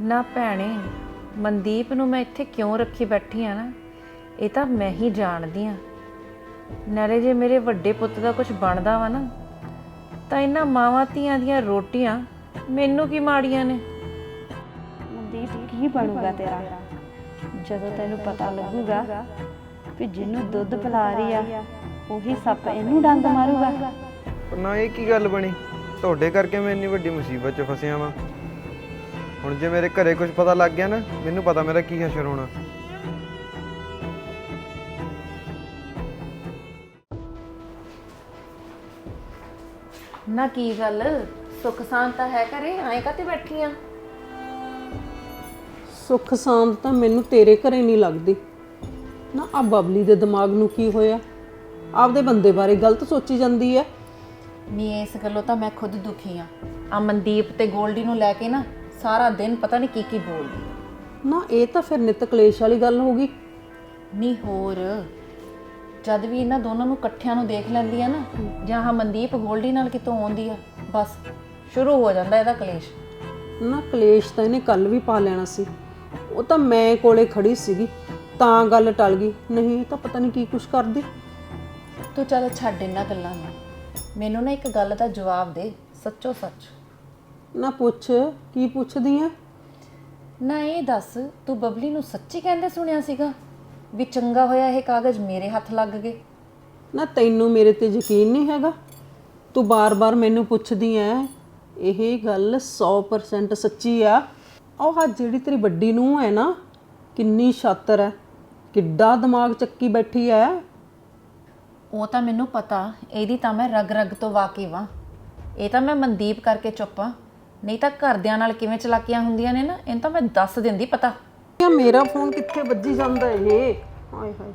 ਨਾ ਭੈਣੇ, ਮਨਦੀਪ ਨੂੰ ਮੈਂ ਇੱਥੇ ਕਿਉਂ ਰੱਖੀ ਬੈਠੀ ਆ ਨਾ, ਇਹ ਤਾਂ ਮੈਂ ਹੀ ਜਾਣਦੀ ਆ। ਨਾਲੇ ਜੇ ਮੇਰੇ ਵੱਡੇ ਪੁੱਤ ਦਾ ਕੁਝ ਬਣਦਾ ਵਾ ਨਾ, ਤਾਂ ਇਹਨਾਂ ਮਾਵਾਂ ਧੀਆਂ ਦੀਆਂ ਰੋਟੀਆਂ ਮੈਨੂੰ ਕੀ ਮਾੜੀਆਂ ਨੇ। ਮਨਦੀਪ ਕੀ ਬਣੂਗਾ ਤੇਰਾ ਜਦੋਂ ਤੈਨੂੰ ਪਤਾ ਲੱਗੂਗਾ ਕਿ ਜਿਹਨੂੰ ਦੁੱਧ ਪਿਲਾ ਰਹੀ ਆ ਉਹੀ ਸੱਪ ਇਹਨੂੰ ਡੰਗ ਮਾਰੂਗਾ। ਪਰ ਨਾ ਇਹ ਕੀ ਗੱਲ ਬਣੀ? ਤੁਹਾਡੇ ਕਰਕੇ ਮੈਂ ਇੰਨੀ ਵੱਡੀ ਮੁਸੀਬਤ 'ਚ ਫਸਿਆ ਵਾਂ। ਹੁਣ ਜੇ ਮੇਰੇ ਘਰੇ ਕੁਝ ਪਤਾ ਲੱਗ ਗਿਆ ਨਾ, ਮੈਨੂੰ ਪਤਾ ਮੇਰਾ ਕੀ ਹਸ਼ਰ ਹੋਣਾ। ਨਾ ਕੀ ਗੱਲ, ਸੁੱਖ ਸ਼ਾਂਤ ਤਾਂ ਹੈ ਘਰੇ, ਐਂ ਕਾਤੇ ਬੈਠੀ ਆ? ਸੁੱਖ ਸ਼ਾਂਤ ਤਾਂ ਮੈਨੂੰ ਤੇਰੇ ਘਰੇ ਨਹੀਂ ਲੱਗਦੀ ਨਾ। ਆ ਬਬਲੀ ਦੇ ਦਿਮਾਗ ਨੂੰ ਕੀ ਹੋਇਆ? ਆਪਦੇ ਬੰਦੇ ਬਾਰੇ ਗਲਤ ਸੋਚੀ ਜਾਂਦੀ ਹੈ। ਨਹੀਂ, ਇਸ ਗੱਲੋਂ ਤਾਂ ਮੈਂ ਖੁਦ ਦੁਖੀ ਆ ਮਨਦੀਪ ਤੇ ਗੋਲਡੀ ਨੂੰ ਲੈ ਕੇ ਨਾ ਸਾਰਾ ਦਿਨ ਪਤਾ ਨਹੀਂ ਕੀ ਬੋਲਦੀ। ਨਾ ਇਹ ਤਾਂ ਫਿਰ ਨਿਤ ਕਲੇਸ਼ ਵਾਲੀ ਗੱਲ ਹੋ ਗਈ। ਨਹੀਂ ਹੋਰ, ਜਦ ਵੀ ਇਹਨਾਂ ਦੋਨਾਂ ਨੂੰ ਇਕੱਠਿਆਂ ਨੂੰ ਦੇਖ ਲੈਂਦੀ ਆ ਨਾ, ਜਾਂ ਹਾਂ ਮਨਦੀਪ ਗੋਲਡੀ ਨਾਲ ਕਿਤੋਂ ਆਉਂਦੀ ਆ, ਬਸ ਸ਼ੁਰੂ ਹੋ ਜਾਂਦਾ ਇਹਦਾ ਕਲੇਸ਼। ਨਾ ਕਲੇਸ਼ ਤਾਂ ਇਹਨੇ ਕੱਲ ਵੀ ਪਾ ਲੈਣਾ ਸੀ। ਉਹ ਤਾਂ ਮੈਂ ਕੋਲੇ ਖੜੀ ਸੀਗੀ ਤਾਂ ਗੱਲ ਟਲ ਗਈ, ਨਹੀਂ ਤਾਂ ਪਤਾ ਨਹੀਂ ਕੀ ਕੁਛ ਕਰਦੀ। ਤੂੰ ਚੱਲ ਛੱਡ ਇਹਨਾਂ ਗੱਲਾਂ ਨੂੰ, ਮੈਨੂੰ ਨਾ ਇੱਕ ਗੱਲ ਦਾ ਜਵਾਬ ਦੇ, ਸੱਚੋ ਸੱਚ। ਨਾ ਪੁੱਛ, ਕੀ ਪੁੱਛਦੀ ਆ? ਨਾ ਇਹ ਦੱਸ, ਤੂੰ ਬਬਲੀ ਨੂੰ ਸੱਚੀ ਕਹਿੰਦੇ ਸੁਣਿਆ ਸੀਗਾ ਵੀ ਚੰਗਾ ਹੋਇਆ ਇਹ ਕਾਗਜ਼ ਮੇਰੇ ਹੱਥ ਲੱਗ ਗਏ? ਨਾ ਤੈਨੂੰ ਮੇਰੇ ਤੇ ਯਕੀਨ ਨਹੀਂ ਹੈਗਾ? ਤੂੰ ਬਾਰ-ਬਾਰ ਮੈਨੂੰ ਪੁੱਛਦੀ ਐ। ਇਹ ਗੱਲ 100% ਸੱਚੀ ਆ। ਉਹ ਜਿਹੜੀ ਤੇਰੀ ਵੱਡੀ ਨੂੰਹ ਹੈ ਨਾ, ਕਿੰਨੀ ਸ਼ਾਤਰ ਹੈ, ਕਿੱਡਾ ਦਿਮਾਗ ਚੱਕੀ ਬੈਠੀ ਐ। ਉਹ ਤਾਂ ਮੈਨੂੰ ਪਤਾ, ਇਹਦੀ ਤਾਂ ਮੈਂ ਰਗ ਰਗ ਤੋਂ ਵਾਕਿਫ ਆ। ਇਹ ਤਾਂ ਮੈਂ ਮਨਦੀਪ ਕਰਕੇ ਚੁੱਪ ਆ, ਨਹੀਂ ਤਾਂ ਘਰਦਿਆਂ ਨਾਲ ਕਿਵੇਂ ਚਲਾਕੀਆਂ ਹੁੰਦੀਆਂ ਨੇ ਨਾ, ਇਹਨੂੰ ਤਾਂ ਮੈਂ ਦੱਸ ਦਿੰਦੀ ਪਤਾ। ਮੇਰਾ ਫੋਨ ਕਿੱਥੇ ਵੱਜੀ ਜਾਂਦਾ ਇਹ? ਹਾਏ ਹਾਏ,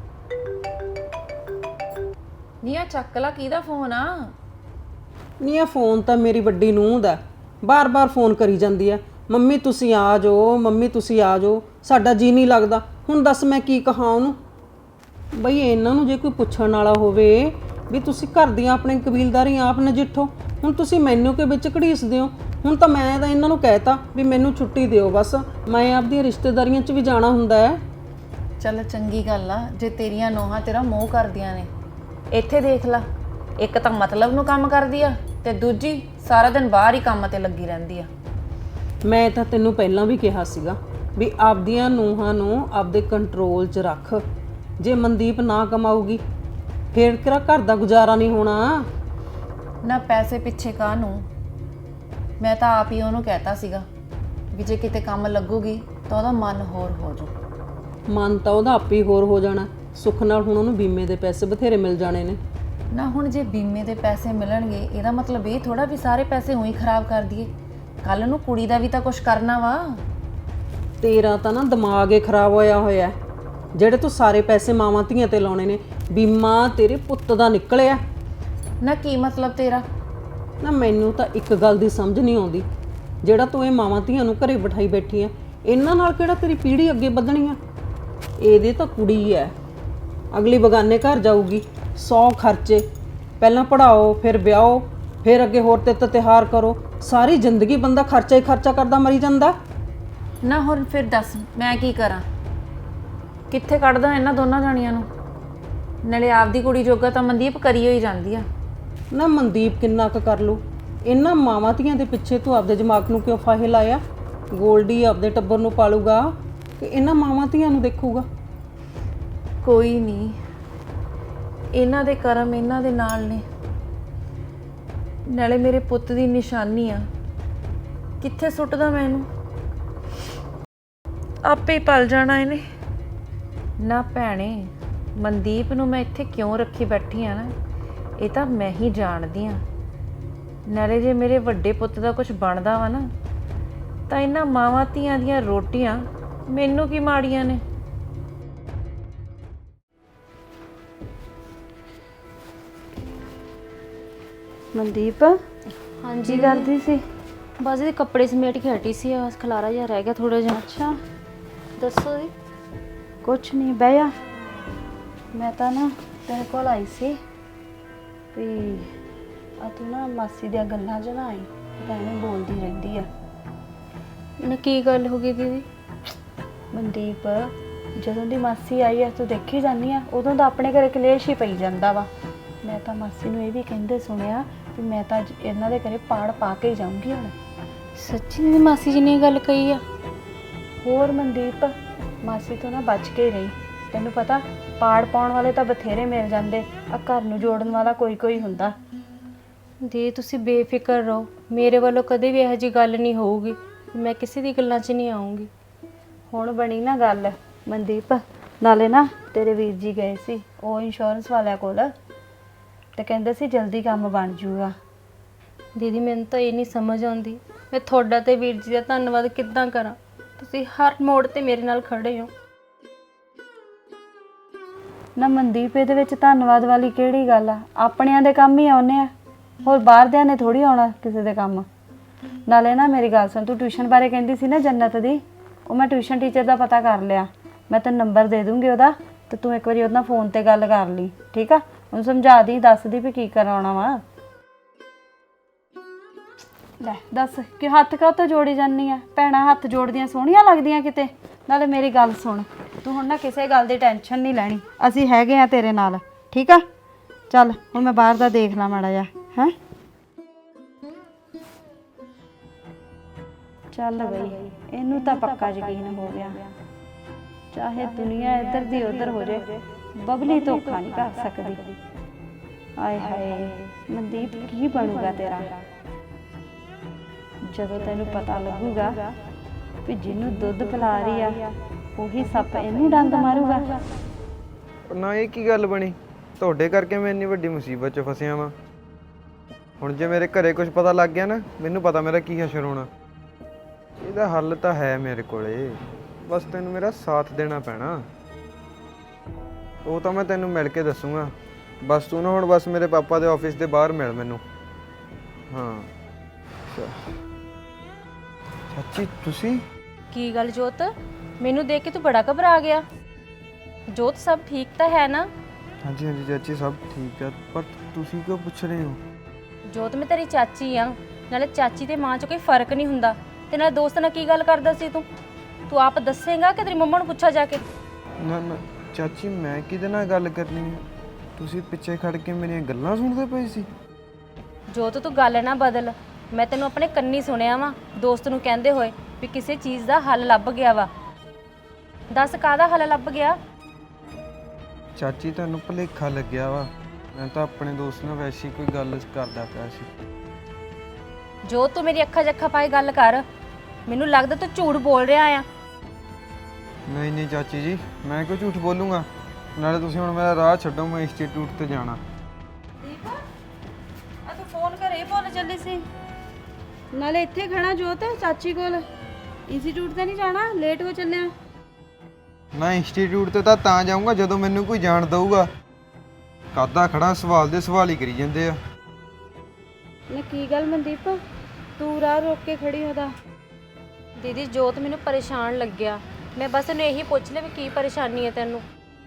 ਨੀ ਆ ਚੱਕ ਲਾ, ਕਿਹਦਾ ਫੋਨ ਆ? ਨਹੀਂ ਇਹ ਫੋਨ ਤਾਂ ਮੇਰੀ ਵੱਡੀ ਨੂੰਹ ਦਾ। ਬਾਰ-ਬਾਰ ਫੋਨ ਕਰੀ ਜਾਂਦੀ ਐ, ਮੰਮੀ ਤੁਸੀਂ ਆ ਜਾਓ, ਮੰਮੀ ਤੁਸੀਂ ਆ ਜਾਓ, ਸਾਡਾ ਜੀ ਨਹੀਂ ਲੱਗਦਾ। ਹੁਣ ਦੱਸ ਮੈਂ ਕੀ ਕਹਾਂ ਉਹਨੂੰ? ਬਈ ਇਹਨਾਂ ਨੂੰ ਜੇ ਕੋਈ ਪੁੱਛਣ ਵਾਲਾ ਹੋਵੇ ਵੀ ਤੁਸੀਂ ਘਰ ਦੀਆਂ ਆਪਣੇ ਕਬੀਲਦਾਰੀਆਂ ਆਪ ਨਜਿੱਠੋ, ਹੁਣ ਤੁਸੀਂ ਮੈਨੂੰ ਕਿ ਵਿੱਚ ਘੜੀਸਦੇ ਹੋ। ਹੁਣ ਤਾਂ ਮੈਂ ਤਾਂ ਇਹਨਾਂ ਨੂੰ ਕਹਿਤਾ ਵੀ ਮੈਨੂੰ ਛੁੱਟੀ ਦਿਓ, ਬਸ ਮੈਂ ਆਪਦੀਆਂ ਰਿਸ਼ਤੇਦਾਰੀਆਂ 'ਚ ਵੀ ਜਾਣਾ ਹੁੰਦਾ ਹੈ। ਚੱਲ ਚੰਗੀ ਗੱਲ ਆ ਜੇ ਤੇਰੀਆਂ ਨੋਹਾਂ ਤੇਰਾ ਮੋਹ ਕਰਦੀਆਂ ਨੇ। ਇੱਥੇ ਦੇਖ ਲਾ, ਇੱਕ ਤਾਂ ਮਤਲਬ ਨੂੰ ਕੰਮ ਕਰਦੀ ਆ ਤੇ ਦੂਜੀ ਸਾਰਾ ਦਿਨ ਬਾਹਰ ਹੀ ਕੰਮ ਤੇ ਲੱਗੀ ਰਹਿੰਦੀ ਆ। ਮੈਂ ਤਾਂ ਤੈਨੂੰ ਪਹਿਲਾਂ ਵੀ ਕਿਹਾ ਸੀਗਾ ਵੀ ਆਪਦੀਆਂ ਨੂੰਹਾਂ ਨੂੰ ਆਪਦੇ ਕੰਟਰੋਲ 'ਚ ਰੱਖ। ਜੇ ਮਨਦੀਪ ਨਾ ਕਮਾਊਗੀ ਫੇਰ ਕਿਹੜਾ ਘਰ ਦਾ ਗੁਜ਼ਾਰਾ ਨਹੀਂ ਹੋਣਾ। ਨਾ ਪੈਸੇ ਪਿੱਛੇ ਕਾਹਨੂੰ, ਮੈਂ ਤਾਂ ਆਪ ਹੀ ਉਹਨੂੰ ਕਹਿਤਾ ਸੀਗਾ ਵੀ ਜੇ ਕਿਤੇ ਕੰਮ ਲੱਗੂਗੀ ਤਾਂ ਉਹਦਾ ਮਨ ਹੋਰ ਹੋ ਜਾਊ। ਮਨ ਤਾਂ ਉਹਦਾ ਆਪੇ ਹੀ ਹੋਰ ਹੋ ਜਾਣਾ। ਸੁੱਖ ਨਾਲ ਹੁਣ ਉਹਨੂੰ ਬੀਮੇ ਦੇ ਪੈਸੇ ਬਥੇਰੇ ਮਿਲ ਜਾਣੇ ਨੇ। ਨਾ ਹੁਣ ਜੇ ਬੀਮੇ ਦੇ ਪੈਸੇ ਮਿਲਣਗੇ, ਇਹਦਾ ਮਤਲਬ ਇਹ ਥੋੜਾ ਵੀ ਸਾਰੇ ਪੈਸੇ ਉਹੀ ਖਰਾਬ ਕਰ ਦਈਏ। ਕੱਲ ਨੂੰ ਕੁੜੀ ਦਾ ਵੀ ਤਾਂ ਕੁਝ ਕਰਨਾ ਵਾ। ਤੇਰਾ ਤਾਂ ਨਾ ਦਿਮਾਗ ਹੀ ਖਰਾਬ ਹੋਇਆ ਹੋਇਆ। ਜਿਹੜੇ ਤੂੰ ਸਾਰੇ ਪੈਸੇ ਮਾਵਾਂ ਧੀਆਂ ਤੇ ਲਾਉਣੇ ਨੇ, ਬੀਮਾ ਤੇਰੇ ਪੁੱਤ ਦਾ ਨਿਕਲਿਆ। ਨਾ ਕੀ ਮਤਲਬ ਤੇਰਾ? ਨਾ ਮੈਨੂੰ ਤਾਂ ਇੱਕ ਗੱਲ ਦੀ ਸਮਝ ਨਹੀਂ ਆਉਂਦੀ, ਜਿਹੜਾ ਤੂੰ ਇਹ ਮਾਵਾਂ ਧੀਆਂ ਨੂੰ ਘਰੇ ਬਿਠਾਈ ਬੈਠੀ ਆ, ਇਹਨਾਂ ਨਾਲ ਕਿਹੜਾ ਤੇਰੀ ਪੀੜ੍ਹੀ ਅੱਗੇ ਵਧਣੀ ਆ? ਇਹਦੇ ਤਾਂ ਕੁੜੀ ਐ, ਅਗਲੀ ਬਗਾਨੇ ਘਰ ਜਾਊਗੀ, 100 ਖਰਚੇ, ਪਹਿਲਾਂ ਪੜ੍ਹਾਓ ਫਿਰ ਵਿਆਹੋ, ਫਿਰ ਅੱਗੇ ਹੋਰ ਤੇ ਤਿਉਹਾਰ ਕਰੋ। ਸਾਰੀ ਜ਼ਿੰਦਗੀ ਬੰਦਾ ਖਰਚਾ ਹੀ ਖਰਚਾ ਕਰਦਾ ਮਰੀ ਜਾਂਦਾ। ਨਾ ਹੁਣ ਫਿਰ ਦੱਸ ਮੈਂ ਕੀ ਕਰਾਂ? ਕਿੱਥੇ ਕੱਢਦਾ ਇਹਨਾਂ ਦੋਨਾਂ ਜਾਣੀਆਂ ਨੂੰ? ਨਾਲੇ ਆਪਦੀ ਕੁੜੀ ਜੋਗਾ ਤਾਂ ਮਨਦੀਪ ਕਰੀ ਹੋਈ ਜਾਂਦੀ ਆ। ਨਾ ਮਨਦੀਪ ਕਿੰਨਾ ਕੁ ਕਰ ਲੂ? ਇਹਨਾਂ ਮਾਵਾਂ ਧੀਆਂ ਦੇ ਪਿੱਛੇ ਤੂੰ ਆਪਦੇ ਦਿਮਾਗ ਨੂੰ ਕਿਉਂ ਫਾਹੇ ਲਾਇਆ? ਗੋਲਡੀ ਆਪਦੇ ਟੱਬਰ ਨੂੰ ਪਾਲੂਗਾ ਕਿ ਇਹਨਾਂ ਮਾਵਾਂ ਧੀਆਂ ਨੂੰ ਦੇਖੂਗਾ? ਕੋਈ ਨਹੀਂ, ਇਹਨਾਂ ਦੇ ਕਰਮ ਇਹਨਾਂ ਦੇ ਨਾਲ ਨੇ। ਨਾਲੇ ਮੇਰੇ ਪੁੱਤ ਦੀ ਨਿਸ਼ਾਨੀ ਆ, ਕਿੱਥੇ ਸੁੱਟਦਾ ਮੈਂ ਇਹਨੂੰ? ਆਪੇ ਹੀ ਪਲ ਜਾਣਾ ਇਹਨੇ। ਨਾ ਭੈਣੇ, ਮਨਦੀਪ ਨੂੰ ਮੈਂ ਇੱਥੇ ਕਿਉਂ ਰੱਖੀ ਬੈਠੀ ਆ ਨਾ, ਇਹ ਤਾਂ ਮੈਂ ਹੀ ਜਾਣਦੀ ਆ। ਨਾਲੇ ਜੇ ਮੇਰੇ ਵੱਡੇ ਪੁੱਤ ਦਾ ਕੁਝ ਬਣਦਾ ਵਾ ਨਾ, ਤਾਂ ਇਹਨਾਂ ਮਾਵਾਂ ਧੀਆਂ ਦੀਆਂ ਰੋਟੀਆਂ ਮੈਨੂੰ ਕੀ ਮਾੜੀਆਂ ਨੇ। ਮਨਦੀਪ ਹਾਂਜੀ ਕਰਦੀ ਸੀ? ਬਸ ਇਹਦੇ ਕੱਪੜੇ ਸਮੇਟ ਕੇ ਹਟੀ ਸੀ, ਬਸ ਖਲਾਰਾ ਜਿਹਾ ਰਹਿ ਗਿਆ ਥੋੜਾ ਜਿਹਾ। ਅੱਛਾ ਦੱਸੋ ਜੀ। ਕੁਛ ਨਹੀਂ, ਬਹਿ ਜਾ। ਮੈਂ ਤਾਂ ਨਾ ਤੇਰੇ ਕੋਲ ਆਈ ਸੀ ਵੀ ਆ ਤੂੰ ਨਾ ਮਾਸੀ ਦੀਆਂ ਗੱਲਾਂ 'ਚ ਨਾ ਆਈ, ਤਾਂ ਐਵੇਂ ਬੋਲਦੀ ਰਹਿੰਦੀ ਆ। ਨਾ ਕੀ ਗੱਲ ਹੋ ਗਈ ਦੀਦੀ? ਮਨਦੀਪ, ਜਦੋਂ ਦੀ ਮਾਸੀ ਆਈ ਆ ਤੂੰ ਦੇਖੀ ਜਾਂਦੀ ਆ, ਉਦੋਂ ਦਾ ਆਪਣੇ ਘਰੇ ਕਲੇਸ਼ ਹੀ ਪਈ ਜਾਂਦਾ ਵਾ। ਮੈਂ ਤਾਂ ਮਾਸੀ ਨੂੰ ਇਹ ਵੀ ਕਹਿੰਦੇ ਸੁਣਿਆ ਵੀ ਮੈਂ ਤਾਂ ਅੱਜ ਇਹਨਾਂ ਦੇ ਘਰੇ ਪਾੜ ਪਾ ਕੇ ਹੀ ਜਾਊਂਗੀ ਹੁਣ। ਸੱਚੀ ਦੀਦੀ ਮਾਸੀ ਜੀ ਨੇ ਇਹ ਗੱਲ ਕਹੀ ਆ? ਹੋਰ ਮਨਦੀਪ, ਮਾਸੀ ਤੋਂ ਨਾ ਬਚ ਕੇ ਰਹੀ। ਤੈਨੂੰ ਪਤਾ ਪਾੜ ਪਾਉਣ ਵਾਲੇ ਤਾਂ ਬਥੇਰੇ ਮਿਲ ਜਾਂਦੇ, ਆ ਘਰ ਨੂੰ ਜੋੜਨ ਵਾਲਾ ਕੋਈ ਕੋਈ ਹੁੰਦਾ। ਦੀ ਤੁਸੀਂ ਬੇਫਿਕਰ ਰਹੋ, ਮੇਰੇ ਵੱਲੋਂ ਕਦੇ ਵੀ ਇਹੋ ਜਿਹੀ ਗੱਲ ਨਹੀਂ ਹੋਊਗੀ। ਮੈਂ ਕਿਸੇ ਦੀ ਗੱਲਾਂ 'ਚ ਨਹੀਂ ਆਉਂਗੀ। ਹੁਣ ਬਣੀ ਨਾ ਗੱਲ ਮਨਦੀਪ। ਨਾਲੇ ਨਾ ਤੇਰੇ ਵੀਰ ਜੀ ਗਏ ਸੀ ਉਹ ਇੰਸ਼ੋਰੈਂਸ ਵਾਲਿਆਂ ਕੋਲ, ਤੇ ਕਹਿੰਦੇ ਸੀ ਜਲਦੀ ਕੰਮ ਬਣ ਜੂਗਾ। ਦੀਦੀ ਮੈਨੂੰ ਤਾਂ ਇਹ ਨਹੀਂ ਸਮਝ ਆਉਂਦੀ, ਮੈਂ ਤੁਹਾਡਾ ਤੇ ਵੀਰ ਜੀ ਦਾ ਧੰਨਵਾਦ ਕਿੱਦਾਂ ਕਰਾਂ। ਤੁਸੀਂ ਹਰ ਮੋੜ ਤੇ ਮੇਰੇ ਨਾਲ ਖੜੇ ਹੋ। ਨਾ ਮਨਦੀਪ, ਇਹਦੇ ਵਿੱਚ ਧੰਨਵਾਦ ਵਾਲੀ ਕਿਹੜੀ ਗੱਲ ਆ? ਆਪਣਿਆਂ ਦੇ ਕੰਮ ਹੀ ਆਉਨੇ ਆ, ਹੋਰ ਬਾਹਰਦਿਆਂ ਨੇ ਥੋੜੀ ਆਉਣਾ ਕਿਸੇ ਦੇ ਕੰਮ। ਨਾਲੇ ਨਾ ਮੇਰੀ ਗੱਲ ਸੁਣ, ਤੂੰ ਟਿਊਸ਼ਨ ਬਾਰੇ ਕਹਿੰਦੀ ਸੀ ਨਾ ਜੰਨਤ ਦੀ, ਉਹ ਮੈਂ ਟਿਊਸ਼ਨ ਟੀਚਰ ਦਾ ਪਤਾ ਕਰ ਲਿਆ। ਮੈਂ ਤੈਨੂੰ ਨੰਬਰ ਦੇ ਦੂੰਗੀ ਉਹਦਾ, ਤੇ ਤੂੰ ਇੱਕ ਵਾਰੀ ਉਹਦੇ ਨਾਲ ਫੋਨ ਤੇ ਗੱਲ ਕਰ ਲਈ, ਠੀਕ ਆ? ਉਹਨੂੰ ਸਮਝਾ ਦੀ, ਦੱਸ ਦੀ ਵੀ ਕੀ ਕਰਾਉਣਾ ਵਾ। ਲੈ ਦੱਸ ਕਿ ਹੱਥ ਕਾਹ ਤੋਂ ਜੋੜੀ ਜਾਂਦੀ ਆ? ਭੈਣਾਂ ਹੱਥ ਜੋੜਦੀਆਂ ਸੋਹਣੀਆਂ ਲੱਗਦੀਆਂ ਕਿਤੇ? ਨਾਲੇ ਮੇਰੀ ਗੱਲ ਸੁਣ, ਤੂੰ ਹੁਣ ਨਾ ਕਿਸੇ ਗੱਲ ਦੀ ਟੈਨਸ਼ਨ ਨਹੀਂ ਲੈਣੀ, ਅਸੀਂ ਹੈਗੇ ਆ ਤੇਰੇ ਨਾਲ, ਠੀਕ ਆ? ਚੱਲ ਹੁਣ ਮੈਂ ਬਾਹਰ ਦਾ ਦੇਖ ਲਾਂ ਮਾੜਾ ਜਿਹਾ, ਹੈਂ? ਚੱਲ ਬਈ, ਇਹਨੂੰ ਤਾਂ ਪੱਕਾ ਯਕੀਨ ਹੋ ਗਿਆ, ਚਾਹੇ ਦੁਨੀਆ ਇੱਧਰ ਦੀ ਉੱਧਰ ਹੋ ਜੇ, ਬਬਲੀ ਧੋਖਾ ਨਹੀਂ ਕਰ ਸਕਦੀ। ਆਏ ਹਾਏ ਮਨਦੀਪ, ਕੀ ਬਣੂਗਾ ਤੇਰਾ ਜਦੋਂ ਤੈਨੂੰ ਪਤਾ ਲੱਗੂਗਾ ਵੀ ਜਿਹਨੂੰ ਦੁੱਧ ਪਿਲਾ ਰਹੀ ਆ ਉਹੀ ਸੱਪ ਇਹਨੂੰ ਡੰਗ ਮਾਰੂਗਾ। ਨਾ ਇਹ ਕੀ ਗੱਲ ਬਣੀ? ਤੁਹਾਡੇ ਕਰਕੇ ਮੈਂ ਇੰਨੀ ਵੱਡੀ ਮੁਸੀਬਤ 'ਚ ਫਸਿਆ ਵਾਂ। ਹੁਣ ਜੇ ਮੇਰੇ ਘਰੇ ਕੁਝ ਪਤਾ ਲੱਗ ਗਿਆ ਨਾ, ਮੈਨੂੰ ਪਤਾ ਮੇਰਾ ਕੀ ਹਸ਼ਰ ਹੋਣਾ। ਇਹਦਾ ਹੱਲ ਤਾਂ ਹੈ ਮੇਰੇ ਕੋਲੇ, ਬਸ ਤੈਨੂੰ ਮੇਰਾ ਸਾਥ ਦੇਣਾ ਪੈਣਾ। ਉਹ ਤਾਂ ਮੈਂ ਤੈਨੂੰ ਮਿਲ ਕੇ ਦੱਸੂਗਾ। ਬਸ ਤੂੰ ਨਾ ਹੁਣ ਬਸ ਮੇਰੇ ਪਾਪਾ ਦੇ ਆਫਿਸ ਦੇ ਬਾਹਰ ਮਿਲ ਮੈਨੂੰ। ਹਾਂ ਚਾਚੀ ਤੁਸੀਂ? ਕੀ ਗੱਲ ਜੋਤ, ਮੈਨੂੰ ਦੇਖ ਕੇ ਤੂੰ ਬੜਾ ਘਬਰਾ ਗਿਆ? ਜੋਤ ਸਭ ਠੀਕ ਤਾਂ ਹੈ ਨਾ? ਹਾਂਜੀ ਹਾਂਜੀ ਚਾਚੀ ਸਭ ਠੀਕ ਹੈ, ਪਰ ਤੁਸੀਂ ਕਿਉਂ ਪੁੱਛ ਰਹੇ ਹੋ? ਜੋਤ ਮੈਂ ਤੇਰੀ ਚਾਚੀ ਆ, ਨਾਲੇ ਚਾਚੀ ਤੇ ਮਾਂ 'ਚ ਕੋਈ ਫਰਕ ਨਹੀਂ ਹੁੰਦਾ। ਤੇ ਨਾਲੇ ਦੋਸਤ ਨਾਲ ਕੀ ਗੱਲ ਕਰਦਾ ਸੀ ਤੂੰ? ਤੂੰ ਆਪ ਦੱਸੇਂਗਾ ਕਿ ਤੇਰੀ ਮੰਮਾ ਨੂੰ ਪੁੱਛਾ ਜਾ ਕੇ? ਨਾ ਨਾ ਚਾਚੀ, ਮੈਂ ਕਿਹਦੇ ਨਾਲ ਗੱਲ ਕਰਨੀ ਹੈ? ਤੁਸੀਂ ਪਿੱਛੇ ਖੜ ਕੇ ਮੇਰੀਆਂ ਗੱਲਾਂ ਸੁਣਦੇ ਪਏ ਸੀ। ਜੋਤ ਤੂੰ ਗੱਲ ਨਾ ਬਦਲ, ਮੈਂ ਤੈਨੂੰ ਆਪਣੇ ਕੰਨੀ ਸੁਣਿਆ ਵਾ ਦੋਸਤ ਨੂੰ ਕਹਿੰਦੇ ਹੋਏ ਵੀ ਕਿਸੇ ਚੀਜ਼ ਦਾ ਹੱਲ ਲੱਭ ਗਿਆ ਵਾ। ਦੱਸ ਕਾਹਦਾ ਹੱਲ ਲੱਭ ਗਿਆ? ਚਾਚੀ ਤੁਹਾਨੂੰ ਭੁਲੇਖਾ ਲੱਗਿਆ ਵਾ, ਮੈਂ ਤਾਂ ਆਪਣੇ ਦੋਸਤ ਨਾਲ ਵੈਸੀ ਕੋਈ ਗੱਲ ਕਰਦਾ ਪਿਆ ਸੀ। ਜੋ ਤੂੰ ਮੇਰੀ ਅੱਖਾਂ 'ਚ ਅੱਖਾਂ ਪਾਏ ਗੱਲ ਕਰ, ਮੈਨੂੰ ਲੱਗਦਾ ਤੂੰ ਝੂਠ ਬੋਲ ਰਿਹਾ ਆ। ਨਹੀਂ ਨਹੀਂ ਚਾਚੀ ਜੀ, ਮੈਂ ਕਿਉਂ ਝੂਠ ਬੋਲੂੰਗਾ? ਨਾਲੇ ਤੁਸੀਂ ਹੁਣ ਮੇਰਾ ਰਾਹ ਛੱਡੋ, ਮੈਂ ਇੰਸਟੀਚਿਊਟ ਤੇ ਜਾਣਾ। ਦੀਪ ਆ ਤੂੰ ਫੋਨ ਘਰੇ ਭੁੱਲ ਚੱਲੀ ਸੀ? ਨਾਲੇ ਇੱਥੇ ਖੜਾ ਜੋਤ ਚਾਚੀ ਕੋਲ, ਇੰਸਟੀਚਿਊਟ ਤੇ ਨਹੀਂ ਜਾਣਾ? ਲੇਟ ਹੋ ਚੱਲਿਆ। ਮੈਂ ਇੰਸਟੀਚਿਊਟ ਤੇ ਤਾਂ ਜਾਊਂਗਾ ਜਦੋਂ ਮੈਨੂੰ ਕੋਈ ਜਾਣ ਦਊਗਾ। ਕਾਦਾ ਖੜਾ ਸਵਾਲ ਦੇ ਸਵਾਲ ਹੀ ਕਰੀ ਜਾਂਦੇ ਆ। ਨਾ ਕੀ ਗੱਲ ਮਨਦੀਪ, ਤੂੰ ਰਾਹ ਰੋਕ ਕੇ ਖੜੀ ਉਹਦਾ? ਦੀਦੀ ਜੋਤ ਮੈਨੂੰ ਪਰੇਸ਼ਾਨ ਲੱਗਿਆ, ਮੈਂ ਬਸ ਇਹਨੂੰ ਇਹੀ ਪੁੱਛ ਲਿਆ ਵੀ ਕੀ ਪਰੇਸ਼ਾਨੀ ਹੈ ਤੈਨੂੰ।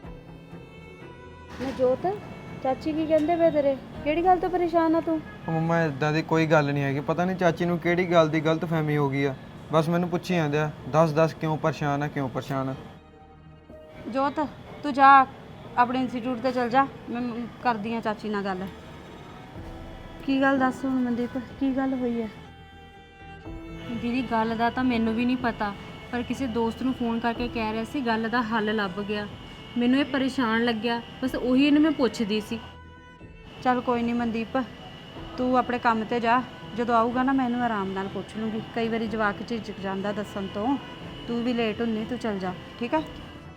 ਨਾ ਜੋਤ, ਚਾਚੀ ਕੀ ਕਹਿੰਦੇ ਵੇ ਤੇਰੇ? ਕਿਹੜੀ ਗੱਲ ਤੋਂ ਪਰੇਸ਼ਾਨ ਆ ਤੂੰ? ਉਹ ਮੰਮਾ ਇਦਾਂ ਦੀ ਕੋਈ ਗੱਲ ਨਹੀਂ ਹੈਗੀ, ਪਤਾ ਨਹੀਂ ਚਾਚੀ ਨੂੰ ਕਿਹੜੀ ਗੱਲ ਦੀ ਗਲਤਫਹਿਮੀ ਹੋ ਗਈ ਆ। ਬਸ ਮੈਨੂੰ ਪੁੱਛੀ ਜਾਂਦੇ ਆ, ਦੱਸ ਕਿਉਂ ਪਰੇਸ਼ਾਨ ਆ, ਕਿਉਂ ਪਰੇਸ਼ਾਨ ਆ। ਜੋਤ ਤੂੰ ਜਾ ਆਪਣੇ ਇੰਸਟੀਚਿਊਟ ਤੇ ਚਲ ਜਾ, ਮੈਂ ਕਰਦੀ ਆ ਚਾਚੀ ਨਾਲ ਗੱਲ। ਕੀ ਗੱਲ ਦੱਸ ਹੁਣ ਮਨਦੀਪ, ਕੀ ਗੱਲ ਹੋਈ ਹੈ? ਦੀਦੀ ਗੱਲ ਦਾ ਤਾਂ ਮੈਨੂੰ ਵੀ ਨਹੀਂ ਪਤਾ, ਪਰ ਕਿਸੇ ਦੋਸਤ ਨੂੰ ਫੋਨ ਕਰਕੇ ਕਹਿ ਰਿਹਾ ਸੀ ਗੱਲ ਦਾ ਹੱਲ ਲੱਭ ਗਿਆ। ਮੈਨੂੰ ਇਹ ਪਰੇਸ਼ਾਨ ਲੱਗਿਆ, ਬਸ ਉਹੀ ਇਹਨੂੰ ਮੈਂ ਪੁੱਛਦੀ ਸੀ। ਚੱਲ ਕੋਈ ਨਹੀਂ ਮਨਦੀਪ, ਤੂੰ ਆਪਣੇ ਕੰਮ ਤੇ ਜਾ, ਜਦੋਂ ਆਊਗਾ ਨਾ ਮੈਂ ਇਹਨੂੰ ਆਰਾਮ ਨਾਲ ਪੁੱਛ ਲੂੰਗੀ। ਕਈ ਵਾਰੀ ਜਵਾਕ ਝਿਜਕ ਜਾਂਦਾ ਦੱਸਣ ਤੋਂ, ਤੂੰ ਵੀ ਲੇਟ ਹੁੰਨੀ, ਤੂੰ ਚੱਲ ਜਾ, ਠੀਕ ਆ?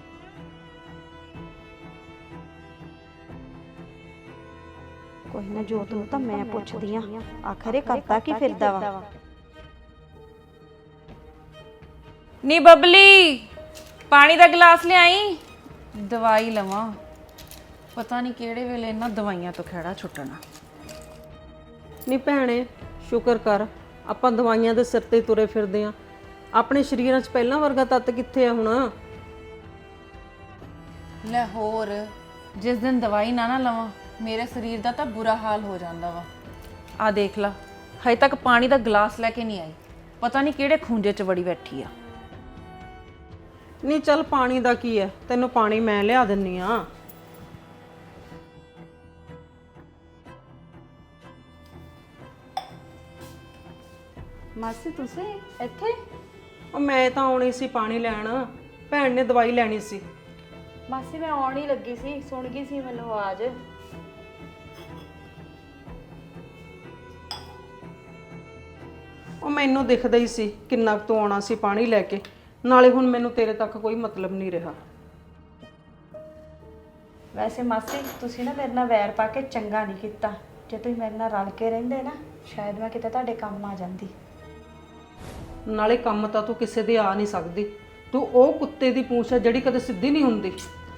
ਕੋਈ ਨਾ ਜੋਤ ਨੂੰ ਤਾਂ ਮੈਂ ਪੁੱਛਦੀ ਆ, ਆਖਰ ਇਹ ਕਰਤਾ ਕੀ ਫਿਰਦਾ ਵਾ। ਨੀ ਬਬਲੀ, ਪਾਣੀ ਦਾ ਗਲਾਸ ਲਿਆਈ, ਦਵਾਈ ਲਵਾਂ। ਪਤਾ ਨਹੀਂ ਕਿਹੜੇ ਵੇਲੇ ਇਹਨਾਂ ਦਵਾਈਆਂ ਤੋਂ ਖਹਿੜਾ ਛੁੱਟਣਾ। ਨਹੀਂ ਭੈਣੇ, ਸ਼ੁਕਰ ਕਰ ਆਪਾਂ ਦਵਾਈਆਂ ਦੇ ਸਿਰ ਤੇ ਤੁਰੇ ਫਿਰਦੇ ਆ। ਆਪਣੇ ਸਰੀਰਾਂ 'ਚ ਪਹਿਲਾਂ ਵਰਗਾ ਤੱਤ ਕਿੱਥੇ ਆ ਹੁਣ? ਲੈ ਹੋਰ, ਜਿਸ ਦਿਨ ਦਵਾਈ ਨਾ ਲਵਾਂ ਮੇਰੇ ਸਰੀਰ ਦਾ ਤਾਂ ਬੁਰਾ ਹਾਲ ਹੋ ਜਾਂਦਾ ਵਾ। ਆ ਦੇਖ ਲਾ, ਹਜੇ ਤੱਕ ਪਾਣੀ ਦਾ ਗਲਾਸ ਲੈ ਕੇ ਨਹੀਂ ਆਈ। ਪਤਾ ਨਹੀਂ ਕਿਹੜੇ ਖੂੰਜੇ 'ਚ ਵੜੀ ਬੈਠੀ ਆ। ਨਹੀਂ ਚੱਲ ਪਾਣੀ ਦਾ ਕੀ ਹੈ, ਤੈਨੂੰ ਪਾਣੀ ਮੈਂ ਲਿਆ ਦਿੰਨੀ ਆ। ਮਾਸੀ ਤੁਸੀਂ ਇੱਥੇ? ਉਹ ਮੈਂ ਤਾਂ ਆਉਣੀ ਸੀ ਪਾਣੀ ਲੈਣ, ਭੈਣ ਨੇ ਦਵਾਈ ਲੈਣੀ ਸੀ। ਮਾਸੀ ਮੈਂ ਆਉਣ ਹੀ ਲੱਗੀ ਸੀ, ਸੁਣ ਗਈ ਸੀ ਮੈਨੂੰ ਆਵਾਜ਼। ਉਹ ਮੈਨੂੰ ਦਿਖਦਾ ਹੀ ਸੀ ਕਿੰਨਾ ਕੁ ਤੂੰ ਆਉਣਾ ਸੀ ਪਾਣੀ ਲੈ ਕੇ, ਨਾਲੇ ਹੁਣ ਮੈਨੂੰ ਤੇਰੇ ਤੱਕ ਕੋਈ ਮਤਲਬ ਨਹੀਂ ਰਿਹਾ। ਵੈਸੇ ਮਾਸੀ ਤੁਸੀਂ ਨਾ ਮੇਰੇ ਨਾਲ ਵੈਰ ਪਾ ਕੇ ਚੰਗਾ ਨਹੀਂ ਕੀਤਾ। ਜੇ ਤੁਸੀਂ ਮੇਰੇ ਨਾਲ ਰਲ ਕੇ ਰਹਿੰਦੇ ਨਾ, ਸ਼ਾਇਦ ਮੈਂ ਕਿਤੇ ਤੁਹਾਡੇ ਕੰਮ ਆ ਜਾਂਦੀ। ਨਾਲੇ ਕੰਮ ਤਾਂ ਤੂੰ ਕਿਸੇ ਦੇ ਆ ਨਹੀਂ ਸਕਦੀ, ਤੂੰ ਉਹ ਕੁੱਤੇ ਦੀ ਪੂੰਛ ਹੈ ਜਿਹੜੀ ਕਦੇ ਸਿੱਧੀ ਨਹੀਂ ਹੁੰਦੀ।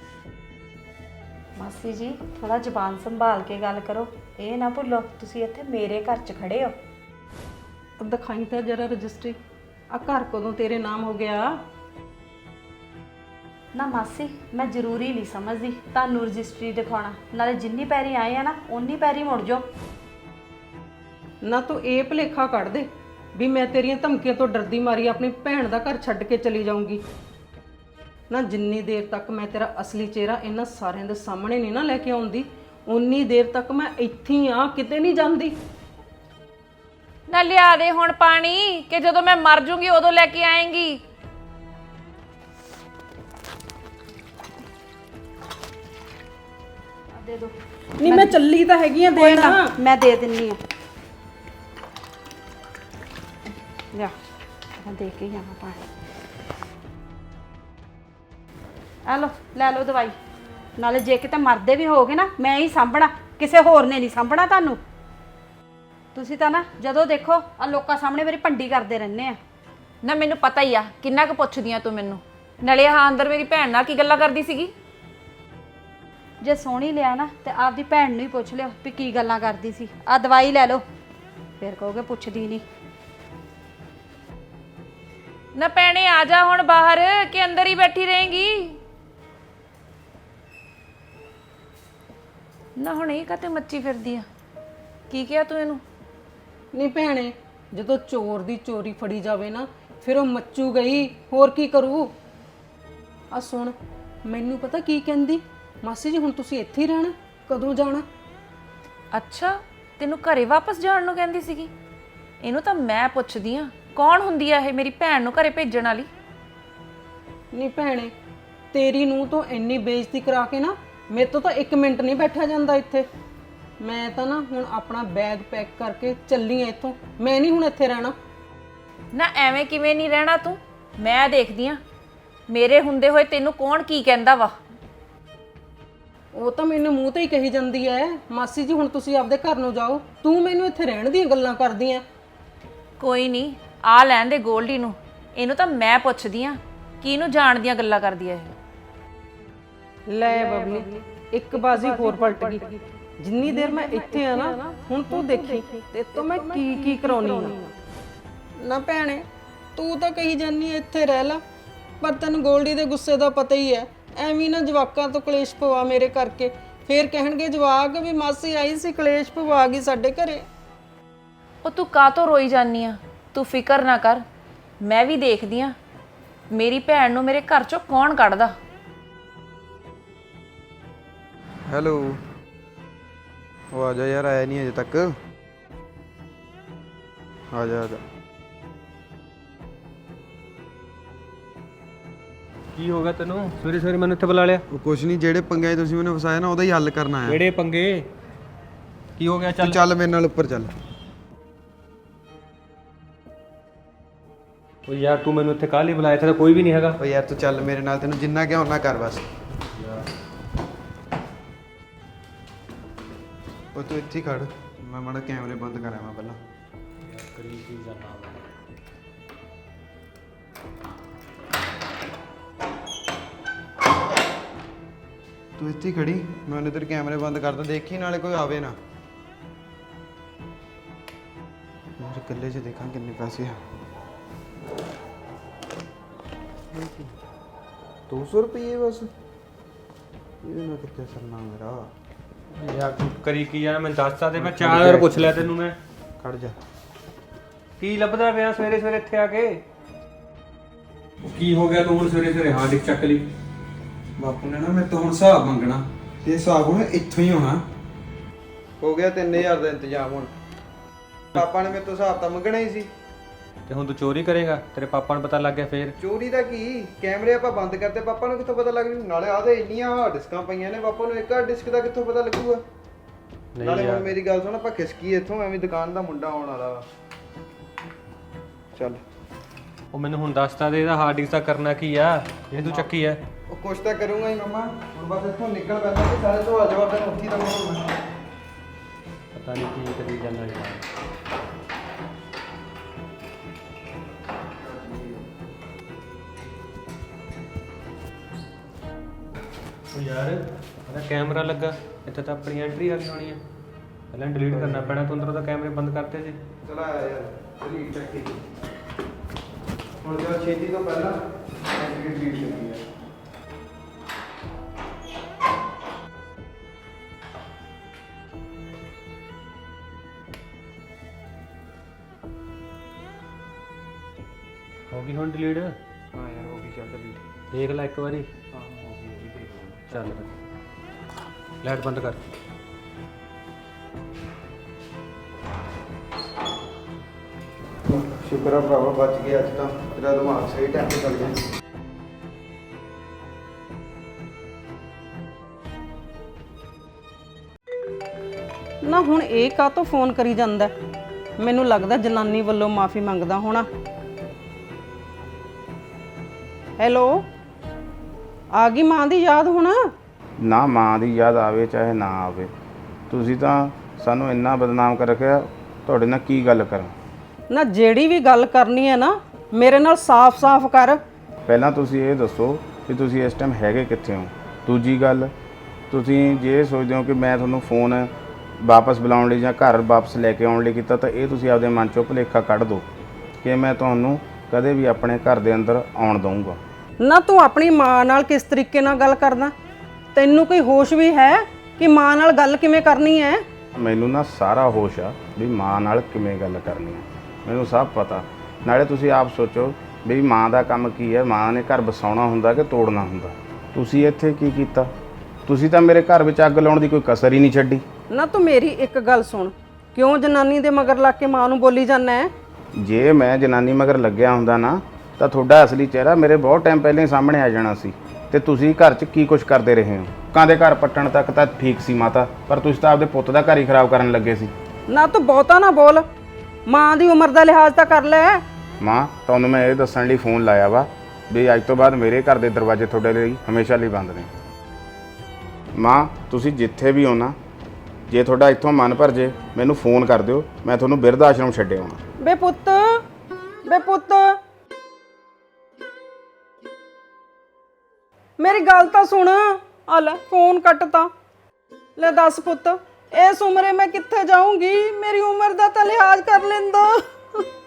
ਮਾਸੀ ਜੀ ਥੋੜਾ ਜ਼ੁਬਾਨ ਸੰਭਾਲ ਕੇ ਗੱਲ ਕਰੋ। ਇਹ ਨਾ ਭੁੱਲੋ ਤੁਸੀਂ ਇੱਥੇ ਮੇਰੇ ਘਰ 'ਚ ਖੜੇ ਹੋ। ਦਿਖਾਈ ਤਾਂ ਜਰਾ ਰਜਿਸਟਰੀ, ਆ ਘਰ ਕਦੋਂ ਤੇਰੇ ਨਾਮ ਹੋ ਗਿਆ? ਨਾ ਮਾਸੀ ਮੈਂ ਜ਼ਰੂਰੀ ਨਹੀਂ ਸਮਝਦੀ ਤੁਹਾਨੂੰ ਰਜਿਸਟਰੀ ਦਿਖਾਉਣਾ। ਨਾਲੇ ਜਿੰਨੀ ਪੈਰੀ ਆਏ ਆ ਨਾ ਓਨੀ ਪੈਰੀ ਮੁੜ ਜਾਓ। ਨਾ ਤੂੰ ਇਹ ਭੁਲੇਖਾ ਕੱਢ ਦੇ ਵੀ ਮੈਂ ਤੇਰੀਆਂ ਧਮਕੀਆਂ ਤੋਂ ਡਰਦੀ ਮਾਰੀ ਆਪਣੀ ਭੈਣ ਦਾ ਘਰ ਛੱਡ ਕੇ ਚਲੀ ਜਾਊਂਗੀ। ਨਾ ਜਿੰਨੀ ਦੇਰ ਤੱਕ ਮੈਂ ਤੇਰਾ ਅਸਲੀ ਚਿਹਰਾ ਇਹਨਾਂ ਸਾਰਿਆਂ ਦੇ ਸਾਹਮਣੇ ਨਹੀਂ ਨਾ ਲੈ ਕੇ ਆਉਂਦੀ, ਉਨੀ ਦੇਰ ਤੱਕ ਮੈਂ ਇੱਥੇ ਹੀ ਆ, ਕਿਤੇ ਨਹੀਂ ਜਾਂਦੀ। ਨਾ ਲਿਆ ਦੇ ਹੁਣ ਪਾਣੀ, ਕਿ ਜਦੋਂ ਮੈਂ ਮਰ ਜੂੰਗੀ ਉਦੋਂ ਲੈ ਕੇ ਆਏਂਗੀ। ਦੇ ਦੋ। ਨਹੀਂ ਮੈਂ ਚੱਲੀ ਤਾਂ ਹੈਗੀ ਆ ਦੇਣਾ। ਮੈਂ ਦੇ ਦਿੰਨੀ ਆ। ਲਿਆ ਮੈਂ ਦੇ ਕੇ ਜਾਵਾਂ ਪਾਣੀ। ਆ ਲੋ ਲੈ ਲਓ ਦਵਾਈ। ਨਾਲੇ ਜੇ ਕਿਤੇ ਮਰਦੇ ਵੀ ਹੋਗੇ ਨਾ ਮੈਂ ਹੀ ਸਾਂਭਣਾ, ਕਿਸੇ ਹੋਰ ਨੇ ਨਹੀਂ ਸਾਂਭਣਾ ਤੁਹਾਨੂੰ। ਤੁਸੀਂ ਤਾਂ ਨਾ ਜਦੋਂ ਦੇਖੋ ਆ ਲੋਕਾਂ ਸਾਹਮਣੇ ਮੇਰੀ ਭੰਡੀ ਕਰਦੇ ਰਹਿੰਦੇ ਆ। ਨਾ ਮੈਨੂੰ ਪਤਾ ਹੀ ਆ ਕਿੰਨਾ ਕੁ ਪੁੱਛਦੀਆਂ ਤੂੰ ਮੈਨੂੰ। ਨਾਲੇ ਆਹ ਅੰਦਰ ਮੇਰੀ ਭੈਣ ਨਾਲ ਕੀ ਗੱਲਾਂ ਕਰਦੀ ਸੀਗੀ। ਜੇ ਸੋਹਣੀ ਲਿਆ ਨਾ ਤੇ ਆਪਦੀ ਭੈਣ ਨੂੰ ਹੀ ਪੁੱਛ ਲਿਓ ਵੀ ਕੀ ਗੱਲਾਂ ਕਰਦੀ ਸੀ। ਆ ਦਵਾਈ ਲੈ ਲਓ, ਫਿਰ ਕਹੋਗੇ ਪੁੱਛਦੀ ਨਹੀਂ। ਨਾ ਭੈਣੇ ਆ ਜਾ ਹੁਣ ਬਾਹਰ, ਕਿ ਅੰਦਰ ਹੀ ਬੈਠੀ ਰਹੇਂਗੀ। ਨਾ ਹੁਣ ਇਹ ਕਾਤੇ ਮੱਚੀ ਫਿਰਦੀ ਆ? ਕੀ ਕਿਹਾ ਤੂੰ ਇਹਨੂੰ? ਨਹੀਂ ਭੈਣੇ, ਜਦੋਂ ਚੋਰ ਦੀ ਚੋਰੀ ਫੜੀ ਜਾਵੇ ਨਾ ਫਿਰ ਉਹ ਮੱਚੂ ਗਈ, ਹੋਰ ਕੀ ਕਰੂ। ਆ ਸੁਣ, ਮੈਨੂੰ ਪਤਾ ਕੀ ਕਹਿੰਦੀ, ਮਾਸੀ ਜੀ ਹੁਣ ਤੁਸੀਂ ਇੱਥੇ ਹੀ ਰਹਿਣਾ, ਕਦੋਂ ਜਾਣਾ? ਅੱਛਾ ਤੈਨੂੰ ਘਰੇ ਵਾਪਸ ਜਾਣ ਨੂੰ ਕਹਿੰਦੀ ਸੀਗੀ। ਇਹਨੂੰ ਤਾਂ ਮੈਂ ਪੁੱਛਦੀ ਆ ਕੌਣ ਹੁੰਦੀ ਆ ਇਹ ਮੇਰੀ ਭੈਣ ਨੂੰ ਘਰੇ ਭੇਜਣ ਵਾਲੀ। ਨਹੀਂ ਭੈਣੇ, ਤੇਰੀ ਨੂੰ ਤੋਂ ਇੰਨੀ ਬੇਇੱਜ਼ਤੀ ਕਰਾ ਕੇ ਨਾ ਮੇਰੇ ਤੋਂ ਤਾਂ 1 ਮਿੰਟ ਨਹੀਂ ਬੈਠਾ ਜਾਂਦਾ ਇੱਥੇ। ਮੈਂ ਤਾਂ ਨਾ ਹੁਣ ਆਪਣਾ ਬੈਗ ਪੈਕ ਕਰਕੇ ਚੱਲੀ ਆ ਇੱਥੋਂ, ਮੈਂ ਨਹੀਂ ਹੁਣ ਇੱਥੇ ਰਹਿਣਾ। ਨਾ ਐਵੇਂ ਕਿਵੇਂ ਨਹੀਂ ਰਹਿਣਾ ਤੂੰ? ਮੈਂ ਦੇਖਦੀ ਆ ਮੇਰੇ ਹੁੰਦੇ ਹੋਏ ਤੈਨੂੰ ਕੌਣ ਕੀ ਕਹਿੰਦਾ ਵਾ। ਉਹ ਤਾਂ ਮੈਨੂੰ ਮੂੰਹ ਤੇ ਹੀ ਕਹੀ ਜਾਂਦੀ ਐ, ਮਾਸੀ ਜੀ ਹੁਣ ਤੁਸੀਂ ਆਪਦੇ ਘਰ ਨੂੰ ਜਾਓ, ਤੂੰ ਮੈਨੂੰ ਇੱਥੇ ਰਹਿਣ ਦੀਆਂ ਗੱਲਾਂ ਕਰਦੀ ਐ। ਕੋਈ ਨਹੀਂ, ਆ ਲੈਣ ਦੇ ਗੋਲਡੀ ਨੂੰ, ਇਹਨੂੰ ਤਾਂ ਮੈਂ ਪੁੱਛਦੀ ਆ ਕਿ ਇਹਨੂੰ ਜਾਣ ਦੀਆਂ ਗੱਲਾਂ ਕਰਦੀ ਆ ਇਹ। ਲੈ ਬਬਲੀ, ਇੱਕ ਬਾਜ਼ੀ ਹੋਰ ਪਲਟ ਗਈ। ਜਿੰਨੀ ਦੇਰ ਮੈਂ ਇੱਥੇ ਆ ਨਾ, ਹੁਣ ਤੂੰ ਦੇਖੀ ਤੇ ਤੋਂ ਮੈਂ ਕੀ ਕੀ ਕਰਾਉਣੀ ਆ। ਨਾ ਭੈਣੇ, ਤੂੰ ਤਾਂ ਕਹੀ ਜਾਨੀ ਇੱਥੇ ਰਹਿ ਲਾ, ਪਰ ਤੈਨੂੰ ਗੋਲਡੀ ਦੇ ਗੁੱਸੇ ਦਾ ਪਤਾ ਹੀ ਹੈ। ਐਵੇਂ ਨਾ ਜਵਾਕਾਂ ਤੋਂ ਕਲੇਸ਼ ਪਵਾ ਮੇਰੇ ਕਰਕੇ, ਫੇਰ ਕਹਿਣਗੇ ਜਵਾਕ ਵੀ ਮਾਸੀ ਆਈ ਸੀ ਕਲੇਸ਼ ਪਵਾ ਗਈ ਸਾਡੇ ਘਰੇ। ਉਹ ਤੂੰ ਕਾਹਤੋਂ ਰੋਈ ਜਾਨੀ ਆ? ਤੂੰ ਫਿਕਰ ਨਾ ਕਰ, ਮੈਂ ਵੀ ਦੇਖਦੀ ਆ ਮੇਰੀ ਭੈਣ ਨੂੰ ਮੇਰੇ ਘਰ ਚੋਂ ਕੌਣ ਕੱਢਦਾ। ਹੈਲੋ, ਉਹ ਆ ਜਾ ਯਾਰ, ਆਇਆ ਨਹੀਂ ਅਜੇ ਤੱਕ। ਆ ਜਾ ਆ ਜਾ। ਕੀ ਹੋ ਗਿਆ ਤੈਨੂੰ? ਸਵੇਰੇ ਸਵੇਰੇ ਮੈਨੂੰ ਇੱਥੇ ਬੁਲਾ ਲਿਆ। ਉਹ ਕੁਛ ਨਹੀਂ, ਜਿਹੜੇ ਪੰਗੇ ਤੁਸੀਂ ਮੈਨੂੰ ਫਸਾਇਆ ਨਾ ਉਹਦਾ ਹੀ ਹੱਲ ਕਰਨਾ ਆਇਆ। ਕਿਹੜੇ ਪੰਗੇ? ਕੀ ਹੋ ਗਿਆ? ਤੂੰ ਚੱਲ ਮੇਰੇ ਨਾਲ ਉੱਪਰ ਚੱਲ। ਉਹ ਯਾਰ ਤੂੰ ਮੈਨੂੰ ਇੱਥੇ ਕਾਹਲੀ ਬੁਲਾਇਆ? ਇੱਥੇ ਤਾਂ ਕੋਈ ਵੀ ਨਹੀਂ ਹੈਗਾ। ਓ ਯਾਰ ਤੂੰ ਚੱਲ ਮੇਰੇ ਨਾਲ, ਤੈਨੂੰ ਜਿੰਨਾ ਕਿਹਾ ਉਹਨਾਂ ਕਰ ਬਸ। ਉਹ ਤੂੰ ਇੱਥੇ ਹੀ ਖੜ, ਮੈਂ ਮਾੜਾ ਕੈਮਰੇ ਬੰਦ ਕਰਾਂ ਮੈਂ ਪਹਿਲਾਂ। ਤੂੰ ਇੱਥੇ ਹੀ ਖੜੀ, ਮੈਂ ਇਧਰ ਕੈਮਰੇ ਬੰਦ ਕਰਦਾ, ਦੇਖੀ ਨਾਲੇ ਕੋਈ ਆਵੇ ਨਾ। ਮੇਰੇ ਇਕੱਲੇ 'ਚ ਦੇਖਾਂ ਕਿੰਨੇ ਪੈਸੇ ਆ। 200 ਰੁਪਏ ਬਸ, ਇਹਦੇ ਨਾਲ ਕਿੱਥੇ ਸਰਨਾ ਮੇਰਾ। ਯਾਰ ਤੂੰ ਕਰੀ ਕੀ ਜਾਣਾ? ਮੈਨੂੰ ਦੱਸ ਤਾਂ ਦੇ, ਮੈਂ 4000 ਪੁੱਛ ਲਿਆ ਤੈਨੂੰ। ਮੈਂ ਖੜ ਜਾ। ਕੀ ਲੱਭਦਾ ਪਿਆ ਸਵੇਰੇ ਸਵੇਰੇ ਇੱਥੇ ਆ ਕੇ? ਕੀ ਹੋ ਗਿਆ ਤੂੰ ਹੁਣ ਸਵੇਰੇ ਸਵੇਰੇ ਹਾਰਡ ਡਿਸਕ ਚੱਕ ਲਈ? ਬਾਪੂ ਨੇ ਨਾ ਮੇਰੇ ਤੋਂ ਹੁਣ ਹਿਸਾਬ ਮੰਗਣਾ ਤੇ ਹਿਸਾਬ ਹੁਣ ਇੱਥੋਂ ਹੀ ਹੋਣਾ। ਹੋ ਗਿਆ 3000 ਦਾ ਇੰਤਜ਼ਾਮ ਹੁਣ। ਪਾਪਾ ਨੇ ਮੇਰੇ ਤੋਂ ਹਿਸਾਬ ਤਾਂ ਮੰਗਣਾ ਹੀ ਸੀ। ਤੇ ਹੁਣ ਤੂੰ ਚੋਰੀ ਕਰੇਗਾ? ਤੇਰੇ ਪਾਪਾ ਨੂੰ ਪਤਾ ਲੱਗ ਗਿਆ ਫੇਰ? ਚੋਰੀ ਦਾ ਕੀ, ਕੈਮਰੇ ਆਪਾਂ ਬੰਦ ਕਰਤੇ, ਪਾਪਾ ਨੂੰ ਕਿੱਥੋਂ ਪਤਾ ਲੱਗ ਜੂ? ਨਾਲੇ ਆਦੇ ਇੰਨੀਆਂ ਹਾਰਡ ਡਿਸਕਾਂ ਪਈਆਂ ਨੇ, ਪਾਪਾ ਨੂੰ ਇੱਕ ਹਾਰਡ ਡਿਸਕ ਦਾ ਕਿੱਥੋਂ ਪਤਾ ਲੱਗੂਗਾ? ਨਾਲੇ ਹੁਣ ਮੇਰੀ ਗੱਲ ਸੁਣ, ਆਪਾਂ ਖਿਸਕੀ ਇੱਥੋਂ, ਐਵੇਂ ਦੁਕਾਨ ਦਾ ਮੁੰਡਾ ਆਉਣ ਵਾਲਾ ਵਾ। ਚੱਲ ਉਹ ਮੈਨੂੰ ਹੁਣ ਦੱਸਤਾ ਦੇ ਇਹਦਾ ਹਾਰਡ ਡਿਸਕ ਦਾ ਕਰਨਾ ਕੀ ਆ ਇਹ ਤੂੰ ਚੱਕੀ ਆ? ਉਹ ਕੁਛ ਤਾਂ ਕਰੂੰਗਾ ਹੀ ਮਮਾ, ਹੁਣ ਬਸ ਇੱਥੋਂ ਨਿਕਲ ਪੈਂਦਾ ਕਿ ਸਾਰੇ ਤੋਂ ਆ ਜਾਵਾ, ਫਿਰ ਉੱਥੇ ਤਾਂ ਮੈਂ ਪਤਾ ਨਹੀਂ ਕੀ ਕਰੀ ਜਾਂਦਾ ਯਾਰ। ਉਹ ਯਾਰ ਇਹਦਾ ਕੈਮਰਾ ਲੱਗਾ ਇੱਥੇ ਤਾਂ ਆਪਣੀ ਐਂਟਰੀ ਆ ਗਈ ਹੋਣੀ ਆ। ਪਹਿਲਾਂ ਡਿਲੀਟ ਕਰਨਾ ਪੈਣਾ, ਤੂੰ ਅੰਦਰੋਂ ਤਾਂ ਕੈਮਰੇ ਬੰਦ ਕਰਤੇ ਸੀ। ਚਲਾ ਆਇਆ ਯਾਰ, ਚਲੀ ਚੱਕੀ ਹੁਣ ਜਿਹੜਾ ਛੇਤੀ ਤੋਂ ਪਹਿਲਾਂ ਐਂਟਰੀ ਡਿਲੀਟ ਕਰਨੀ ਹੈ। ਹੋ ਗਈ ਹੁਣ ਡਿਲੀਟ? ਹਾਂ ਯਾਰ ਹੋ ਗਈ, ਚੱਲ ਡਿਲੀਟ। ਦੇਖ ਲੈ ਇੱਕ ਵਾਰੀ। ਹਾਂ ਹੋ ਗਈ, ਉਹ ਵੀ ਦੇਖ ਲਵਾਂਗੇ। ਚੱਲ ਲਾਈਟ ਬੰਦ ਕਰ। ਸ਼ੁਕਰ ਆ ਭਰਾਵਾ ਬਚ ਗਿਆ ਅੱਜ ਤਾਂ, ਤੇਰਾ ਦਿਮਾਗ ਸਹੀ ਟਾਈਮ ਤੇ ਚੱਲ ਗਿਆ। ਨਾ ਹੁਣ ਇਹ ਕਾਹਤੋਂ ਫੋਨ ਕਰੀ ਜਾਂਦਾ? ਮੈਨੂੰ ਲੱਗਦਾ ਜਨਾਨੀ ਵੱਲੋਂ ਮਾਫੀ ਮੰਗਦਾ ਹੋਣਾ। ਹੈਲੋ, ਆ ਗਈ ਮਾਂ ਦੀ ਯਾਦ ਹੁਣ? ਨਾ ਮਾਂ ਦੀ ਯਾਦ ਆਵੇ ਚਾਹੇ ਨਾ ਆਵੇ, ਤੁਸੀਂ ਤਾਂ ਸਾਨੂੰ ਇੰਨਾ ਬਦਨਾਮ ਕਰ ਰੱਖਿਆ, ਤੁਹਾਡੇ ਨਾਲ ਕੀ ਗੱਲ ਕਰਾਂ? ਨਾ ਜਿਹੜੀ ਵੀ ਗੱਲ ਕਰਨੀ ਹੈ ਨਾ ਮੇਰੇ ਨਾਲ ਸਾਫ਼-ਸਾਫ਼ ਕਰ। ਪਹਿਲਾਂ ਤੁਸੀਂ ਇਹ ਦੱਸੋ ਕਿ ਤੁਸੀਂ ਇਸ ਟਾਈਮ ਹੈਗੇ ਕਿੱਥੇ ਹੋ। ਦੂਜੀ ਗੱਲ, ਤੁਸੀਂ ਜੇ ਸੋਚਦੇ ਹੋ ਕਿ ਮੈਂ ਤੁਹਾਨੂੰ ਫੋਨ ਵਾਪਸ ਬੁਲਾਉਣ ਲਈ ਜਾਂ ਘਰ ਵਾਪਸ ਲੈ ਕੇ ਆਉਣ ਲਈ ਕੀਤਾ, ਤਾਂ ਇਹ ਤੁਸੀਂ ਆਪਦੇ ਮਨ ਚੋਂ ਭੁਲੇਖਾ ਕੱਢ ਦਿਓ ਕਿ ਮੈਂ ਤੁਹਾਨੂੰ ਕਦੇ ਵੀ ਆਪਣੇ ਘਰ ਦੇ ਅੰਦਰ ਆਉਣ ਦਊਂਗਾ। ਨਾ ਤੂੰ ਆਪਣੀ ਮਾਂ ਨਾਲ ਕਿਸ ਤਰੀਕੇ ਨਾਲ ਗੱਲ ਕਰਦਾ? ਤੈਨੂੰ ਕੋਈ ਹੋਸ਼ ਵੀ ਹੈ ਕਿ ਮਾਂ ਨਾਲ ਗੱਲ ਕਿਵੇਂ ਕਰਨੀ ਹੈ? ਮੈਨੂੰ ਨਾ ਸਾਰਾ ਹੋਸ਼ ਆ ਵੀ ਮਾਂ ਨਾਲ ਕਿਵੇਂ ਗੱਲ ਕਰਨੀ ਹੈ, ਮੈਨੂੰ ਸਭ ਪਤਾ। ਨਾਲੇ ਤੁਸੀਂ ਆਪ ਸੋਚੋ ਵੀ ਮਾਂ ਦਾ ਕੰਮ ਕੀ ਹੈ, ਮਾਂ ਨੇ ਘਰ ਵਸਾਉਣਾ ਹੁੰਦਾ ਕਿ ਤੋੜਨਾ ਹੁੰਦਾ। ਤੁਸੀਂ ਇੱਥੇ ਕੀ ਕੀਤਾ? ਤੁਸੀਂ ਤਾਂ ਮੇਰੇ ਘਰ ਵਿੱਚ ਅੱਗ ਲਾਉਣ ਦੀ ਕੋਈ ਕਸਰ ਹੀ ਨਹੀਂ ਛੱਡੀ। ਨਾ ਤੂੰ ਮੇਰੀ ਇੱਕ ਗੱਲ ਸੁਣ, ਕਿਉਂ ਜਨਾਨੀ ਦੇ ਮਗਰ ਲੱਗ ਕੇ ਮਾਂ ਨੂੰ ਬੋਲੀ ਜਾਂਦਾ ਹੈ? ਜੇ ਮੈਂ ਜਨਾਨੀ ਮਗਰ ਲੱਗਿਆ ਹੁੰਦਾ ਨਾ ਤਾਂ ਤੁਹਾਡਾ ਅਸਲੀ ਚਿਹਰਾ ਮੇਰੇ ਬਹੁਤ ਟਾਈਮ ਪਹਿਲਾਂ ਹੀ ਸਾਹਮਣੇ ਆ ਜਾਣਾ ਸੀ। ਤੇ ਤੁਸੀਂ ਘਰ 'ਚ ਕੀ ਕੁਝ ਕਰਦੇ ਰਹੇ ਹੋ? ਲੋਕਾਂ ਦੇ ਘਰ ਪੱਟਣ ਤੱਕ ਤਾਂ ਠੀਕ ਸੀ ਮਾਤਾ, ਪਰ ਤੁਸੀਂ ਤਾਂ ਆਪਦੇ ਪੁੱਤ ਦਾ ਘਰ ਹੀ ਖਰਾਬ ਕਰਨ ਲੱਗੇ ਸੀ। ਨਾ ਤੂੰ ਬਹੁਤਾ ਨਾ ਬੋਲ, ਮਾਂ ਦੀ ਉਮਰ ਦਾ ਲਿਹਾਜ਼ ਤਾਂ ਕਰ ਲੈ। ਮਾਂ, ਤੁਹਾਨੂੰ ਮੈਂ ਇਹ ਦੱਸਣ ਲਈ ਫੋਨ ਲਾਇਆ ਵਾ ਵੀ ਅੱਜ ਤੋਂ ਬਾਅਦ ਮੇਰੇ ਘਰ ਦੇ ਦਰਵਾਜ਼ੇ ਤੁਹਾਡੇ ਲਈ ਹਮੇਸ਼ਾ ਲਈ ਬੰਦ ਨੇ। ਮਾਂ, ਤੁਸੀਂ ਜਿੱਥੇ ਵੀ ਹੋ ਨਾ, ਜੇ ਤੁਹਾਡਾ ਇੱਥੋਂ ਮਨ ਭਰ ਜੇ ਮੈਨੂੰ ਫੋਨ ਕਰ ਦਿਓ, ਮੈਂ ਤੁਹਾਨੂੰ ਬਿਰਧ ਆਸ਼ਰਮ ਛੱਡੇ ਆਉਣਾ। ਬੇ ਪੁੱਤ, ਬੇ ਪੁੱਤ, ਮੇਰੀ ਗੱਲ ਤਾਂ ਸੁਣ। ਆ ਲੈ ਫੋਨ ਕੱਟਤਾ। ਲੈ ਦੱਸ ਪੁੱਤ, ਇਸ ਉਮਰੇ ਮੈਂ ਕਿੱਥੇ ਜਾਊਂਗੀ? ਮੇਰੀ ਉਮਰ ਦਾ ਤਾਂ ਲਿਹਾਜ਼ ਕਰ ਲੈਂਦਾ।